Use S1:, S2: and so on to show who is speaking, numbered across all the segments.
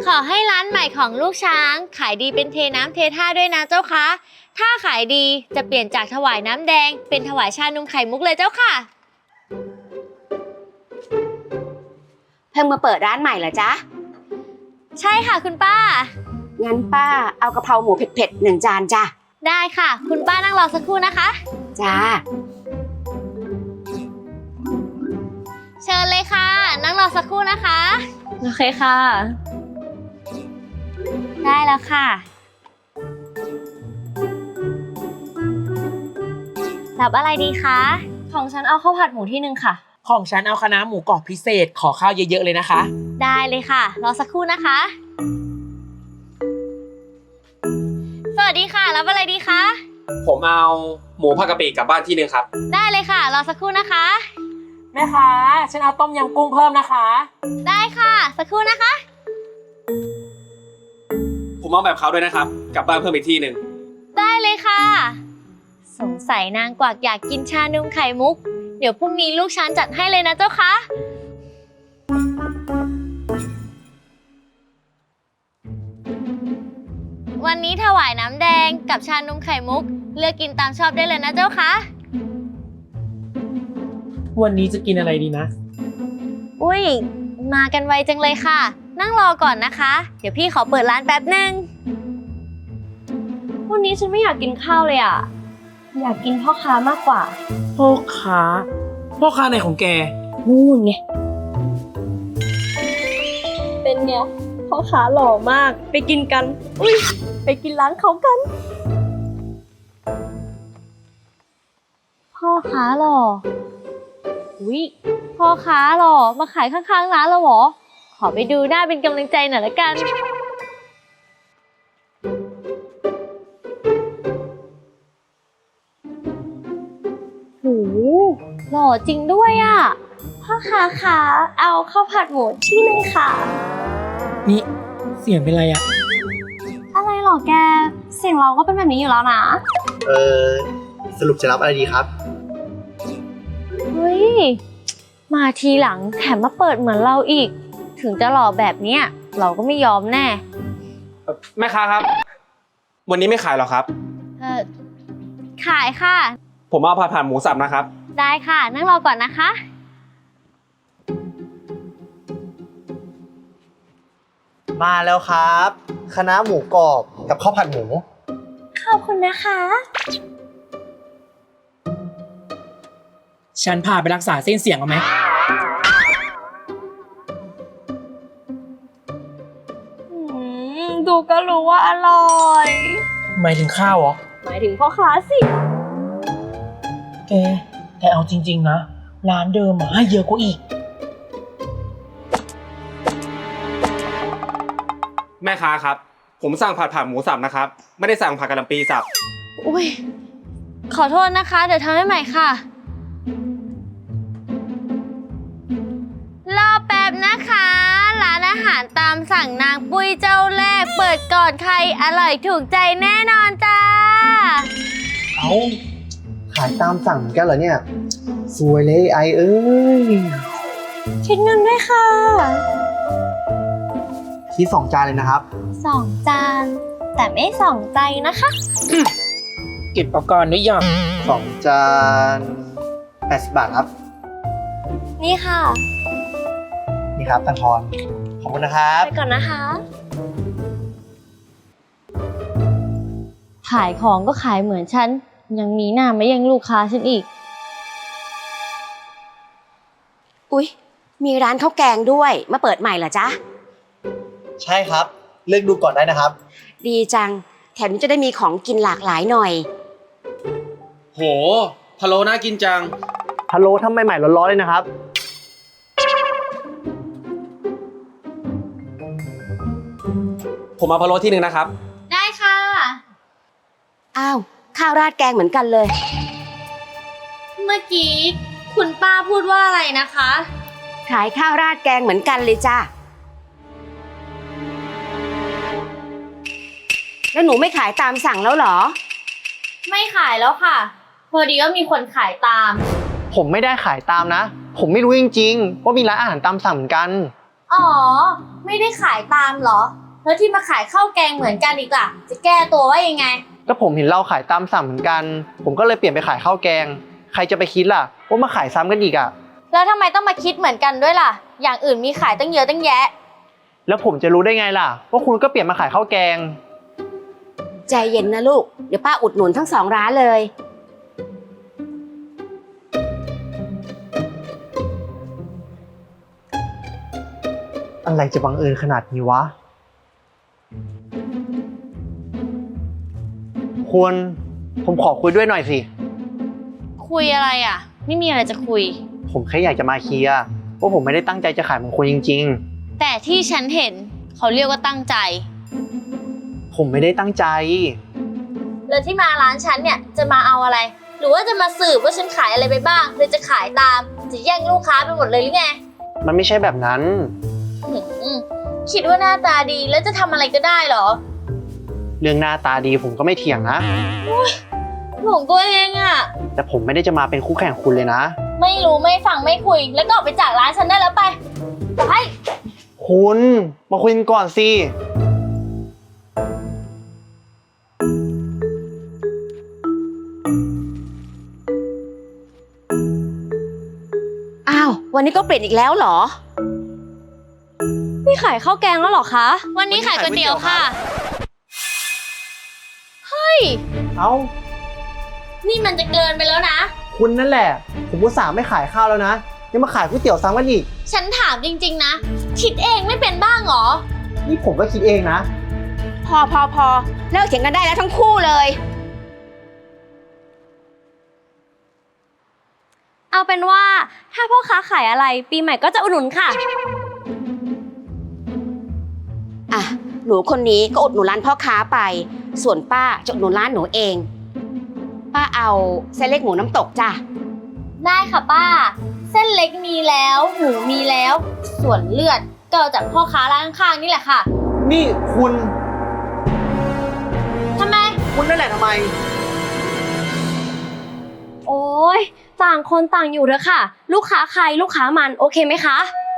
S1: ขอให้ร้านใหม่ของลูกช้างขายดีเป็นเทน้ำเทท่าด้วยนะเจ้าคะถ้าขายดีจะเปลี่ยนจากถวายน้ำแดงเป็นถวายชานมไข่มุกเลยเจ้าค่ะ
S2: เพิ่งมาเปิดร้านใหม่เหรอจ๊ะ
S1: ใช่ค่ะคุณป้า
S2: งั้นป้าเอากะเพราหมูเผ็ดๆ1 จานจ้ะ
S1: ได้ค่ะคุณป้านั่งรอสักครู่นะคะ
S2: จ้า
S1: เชิญเลยค่ะนั่งรอสักครู่นะคะ
S3: โอเคค่ะ
S1: ได้แล้วค่ะรับอะไรดีคะ
S3: ของฉันเอาข้าวผัดหมูที่1ค่ะ
S4: ของฉันเอาคะน้าหมูกรอบพิเศษขอข้าวเยอะๆเลยนะคะ
S1: ได้เลยค่ะรอสักครู่นะคะสวัสดีค่ะรับอะไรดีคะ
S5: ผมเอาหมูผักกะปิกลับบ้านที่1ครับ
S1: ได้เลยค่ะรอสักครู่นะคะ
S4: แม่ค้าฉันเอาต้มยำกุ้งเพิ่มนะคะ
S1: ได้ค่ะสักครู่นะคะ
S5: ผมเอาแบบเขาด้วยนะครับกลับบ้านเพิ่มอีกที่1
S1: ได้เลยค่ะสงสัยนางกวักอยากกินชานมไข่มุกเดี๋ยวพรุ่งนี้ลูกช้างจัดให้เลยนะเจ้าคะวันนี้ถวายน้ำแดงกับชานมไข่มุกเลือกกินตามชอบได้เลยนะเจ้าคะ
S4: วันนี้จะกินอะไรดีนะ
S1: อุ้ยมากันไวจังเลยค่ะนั่งรอก่อนนะคะเดี๋ยวพี่ขอเปิดร้านแป๊บนึง
S3: วันนี้ฉันไม่อยากกินข้าวเลยอ่ะอยากกินพ่อค้ามากกว่า
S4: พ่อค้าไหนของแก
S3: นู่นไงเป็นไงพ่อค้าหล่อมากไปกินกันอุ้ยไปกินร้านเขากัน
S1: พ่อค้าหล่ออุ้ยพ่อค้าหล่อมาขายข้างๆร้านเราเหรอขอไปดูหน้าเป็นกำลังใจหน่อยละกันโหหล่อจริงด้วยอ่ะ
S3: พ่อค้าคะเอาข้าวผัดหมูที่1ค่ะ
S4: นี่เสียงเป็นไรอะ
S3: อะไรหรอแกเสียงเราก็เป็นแบบนี้อยู่แล้วนะ
S6: สรุปจะรับอะไรดีครับ
S1: เฮ้ยมาทีหลังแถมมาเปิดเหมือนเราอีกถึงจะหล่อแบบเนี้ยเราก็ไม่ยอมแน่
S5: แม่ค้าครับวันนี้ไม่ขายหรอครับ
S1: ขายค่ะ
S5: ผมเอาผัดหมูสับนะครับ
S1: ได้ค่ะนั่งรอก่อนนะคะ
S6: มาแล้วครับคะน้าหมูกรอบกับข้าวผัดหมู
S3: ขอบคุณนะคะ
S4: ฉันพาไปรักษาเส้นเสียงเอาไหม
S3: ดูก็รู้ว่าอร่อย
S4: หมายถึงข้าวเหรอ
S3: หมายถึงพ่อค้าสิ
S4: แกเอาจริงๆนะร้านเดิมให้เยอะกว่าอีก
S5: แม่ค้าครับผมสั่งผัดหมูสับนะครับไม่ได้สั่งผัดกะหล่ำปีสับ
S1: อุ้ยขอโทษนะคะเดี๋ยวทำให้ใหม่ค่ะรอแป๊บนะคะร้านอาหารตามสั่งนางปุ้ยเจ้าแรกเปิดก่อนใครอร่อยถูกใจแน่นอนจ้า
S6: เอาขายตามสั่งเหมือนกันเหรอเนี่ยสวยเลยไอเอ้ย
S3: คิดเงินด้วยค่ะ
S6: คิด2 จานเลยนะครับ
S3: 2 จานแต่ไม่2 ใจนะคะ
S4: เก็บอุปกรณ์หรือยัง
S6: 2 จาน80 บาทครับ
S3: นี่ค่ะ
S6: นี่ครับตังทอนขอบคุณนะครับ
S3: ไปก่อนนะคะ
S1: ขายของก็ขายเหมือนฉันยังมีหน้ามายังลูกค้าฉันอีก
S2: อุ๊ยมีร้านข้าวแกงด้วยมาเปิดใหม่เหรอจ๊ะ
S6: ใช่ครับเลือกดูก่อนได้นะครับ
S2: ดีจังแถมจะได้มีของกินหลากหลายหน่อย
S5: โหพะโล้น่ากินจัง
S6: พะโล้ทำใหม่ๆร้อนๆเลยนะครับ
S5: ผมเอาพะโล้ที่1นะครับ
S1: ได้ค่ะ
S2: อ้าวข้าวราดแกงเหมือนกันเลย
S1: เมื่อกี้คุณป้าพูดว่าอะไรนะคะ
S2: ขายข้าวราดแกงเหมือนกันเลยจ้ะแล้วหนูไม่ขายตามสั่งแล้วเหรอ
S1: ไม่ขายแล้วค่ะพอดีว่ามีคนขายตาม
S6: ผมไม่ได้ขายตามนะผมไม่รู้จริงๆว่ามีร้านอาหารตามสั่งเหมือนกัน
S1: อ๋อไม่ได้ขายตามเหรอ แล้วที่มาขายข้าวแกงเหมือนกันอีกล่ะ จะแก้ตัวว่ายังไง
S6: ก็ผมเห็นเราขายตามสั่งเหมือนกัน ผมก็เลยเปลี่ยนไปขายข้าวแกง ใครจะไปคิดล่ะว่ามาขายซ้ำกันอีกอ่ะ
S1: แล้วทำไมต้องมาคิดเหมือนกันด้วยล่ะ อย่างอื่นมีขายตั้งเยอะตั้งแยะ
S6: แล้วผมจะรู้ได้ไงล่ะว่าคุณก็เปลี่ยนมาขายข้าวแกง
S2: ใจเย็นนะลูก เดี๋ยวป้าอุดหนุนทั้ง2 ร้านเลย
S6: อะไรจะบังเอิญขนาดนี้วะคุณผมขอคุยด้วยหน่อยสิ
S1: คุยอะไรอ่ะ ไม่มีอะไรจะคุย
S6: ผมแค่อยากจะมาเคลียร์ว่าผมไม่ได้ตั้งใจจะขายของคุณจริง
S1: แต่ที่ฉันเห็นเขาเรียกว่าตั้งใจ
S6: ๆ ผมไม่ได้ตั้งใจ
S1: แล้วที่มาร้านฉันเนี่ยจะมาเอาอะไร หรือว่าจะมาสืบว่าฉันขายอะไรไปบ้างหรือจะขายตาม จะแย่งลูกค้าไปหมดเลยหรือไง
S6: มันไม่ใช่แบบนั้น
S1: คิดว่าหน้าตาดีแล้วจะทำอะไรก็ได้เหรอ
S6: เรื่องหน้าตาดีผมก็ไม่เถียงนะ
S1: หลงตัวเองอ่ะ
S6: แต่ผมไม่ได้จะมาเป็นคู่แข่งคุณเลยนะ
S1: ไม่รู้ไม่ฟังไม่คุย แล้วก็ออกไปจากร้านฉันได้แล้วไป ไป
S6: คุณมาคุยกันก่อนสิ
S2: อ้าว วันนี้ก็เปลี่ยนอีกแล้วเหรอ
S3: นี่ขายข้าวแกงแล้วเหรอคะ
S1: วันนี้ขายก๋วยเตี๋ยวค่ะ
S6: เอ้า
S1: นี่มันจะเกินไปแล้วนะ
S6: คุณนั่นแหละ ผมอุตส่าห์ไม่ขายข้าวแล้วนะยังมาขายก๋วยเตี๋ยวซ้ำกันอีก
S1: ฉันถามจริงๆนะ คิดเองไม่เป็นบ้างเหรอ
S6: นี่ผมก็คิดเองนะ
S2: พอเลิกเถียงกันได้แล้วทั้งคู่เลย
S3: เอาเป็นว่าถ้าพ่อค้าขายอะไรปีใหม่ก็จะอุดหนุนค่ะ
S2: อ่ะ หนูคนนี้ก็อุดหนุนร้านพ่อค้าไป ส่วนป้าจะอุดหนุนร้านหนูเอง ป้าเอาเส้นเล็กหมูน้ำตกจ้ะ
S1: ได้ค่ะป้า เส้นเล็กมีแล้วหมูมีแล้ว ส่วนเลือดก็เอาจากพ่อค้าร้านข้างๆนี่แหละค่ะ
S6: นี่คุณ
S1: ทำไม
S6: คุณนั่นแหละทำไม
S3: โอ้ยต่างคนต่างอยู่เถอะค่ะ ลูกค้าใครลูกค้ามันโอเคไหมคะ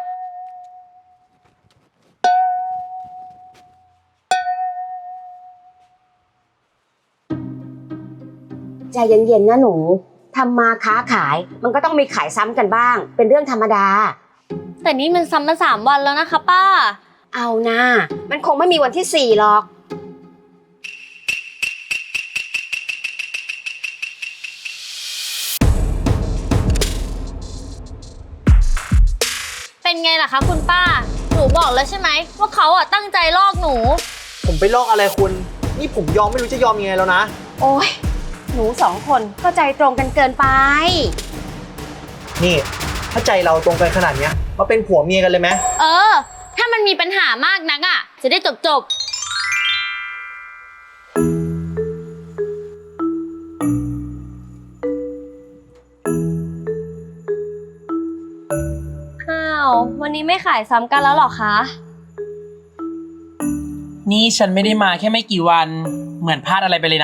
S2: ใจเย็นๆนะหนู ทำมาค้าขาย มันก็ต้องมีขายซ้ำกันบ้าง เป็นเรื่องธรรมดา
S1: แต่นี่มันซ้ำมา3 วันแล้วนะคะป้า
S2: เอานะมันคงไม่มีวันที่ 4หรอก
S1: เป็นไงล่ะคะคุณป้า หนูบอกแล้วใช่ไหมว่าเขาอ่ะตั้งใจลอกหนู
S6: ผมไปลอกอะไรคุณ นี่ผมยอมไม่รู้จะยอมยังไงแล้วนะ
S2: โอ้ยหนู2 คนเข้าใจตรงกันเกินไป
S6: นี่ ถ้าใจเราตรงกันขนาดเนี้ยมาเป็นผัวเมียกันเลยไหม
S1: เออ ถ้ามันมีปัญหามากนักอ่ะ จะได้จบ
S3: อ้าว วันนี้ไม่ขายซ้ำกันแล้วเหรอคะ
S4: นี่ฉันไม่ได้มาแค่ไม่กี่วัน เหมือนพลาดอะไรไปเลยนะ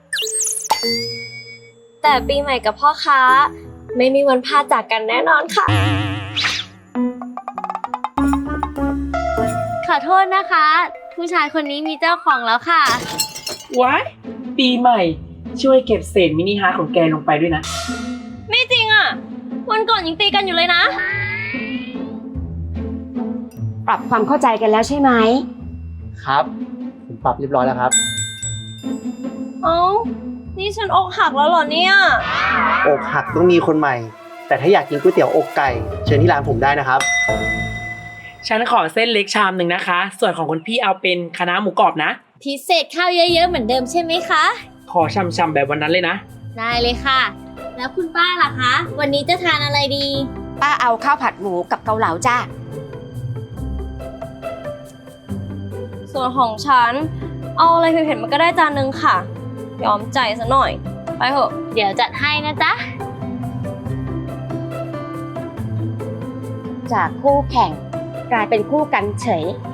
S3: แต่ปีใหม่กับพ่อค้า ไม่มีวันพลาดจากกันแน่นอนค่ะ
S1: ขอโทษนะคะ ผู้ชายคนนี้มีเจ้าของแล้วค่ะ
S4: ว้าย ปีใหม่ ช่วยเก็บเศษมินิฮาร์ทของแกลงไปด้วยนะ
S3: ไม่จริงอ่ะ วันก่อนยังตีกันอยู่เลยนะ
S2: ปรับความเข้าใจกันแล้วใช่ไหม
S6: ครับ ผมปรับเรียบร้อยแล้วครับ
S3: เอ้า นี่ฉันอกหักแล้วเหรอเนี่ย
S6: อกหักต้องมีคนใหม่ แต่ถ้าอยากกินก๋วยเตี๋ยวอกไก่ เชิญที่ร้านผมได้นะครับ
S4: ฉันขอเส้นเล็กชามหนึ่งนะคะ ส่วนของคุณพี่เอาเป็นคะน้าหมูกรอบนะ
S1: พิเศษข้าวเยอะๆเหมือนเดิมใช่ไหมคะ
S4: ขอช่ำๆแบบวันนั้นเลยนะ
S1: ได้เลยค่ะ แล้วคุณป้าล่ะคะ วันนี้จะทานอะไรดี
S2: ป้าเอาข้าวผัดหมูกับเกาเหลาจ้า
S3: ส่วนของฉัน เอาอะไรเผ็ดๆมันก็ได้จานนึงค่ะ ยอมใจซะหน่อย ไปเถอะ
S1: เดี๋ยวจัดให้นะจ๊ะ
S2: จากคู่แข่งกลายเป็นคู่กันเฉย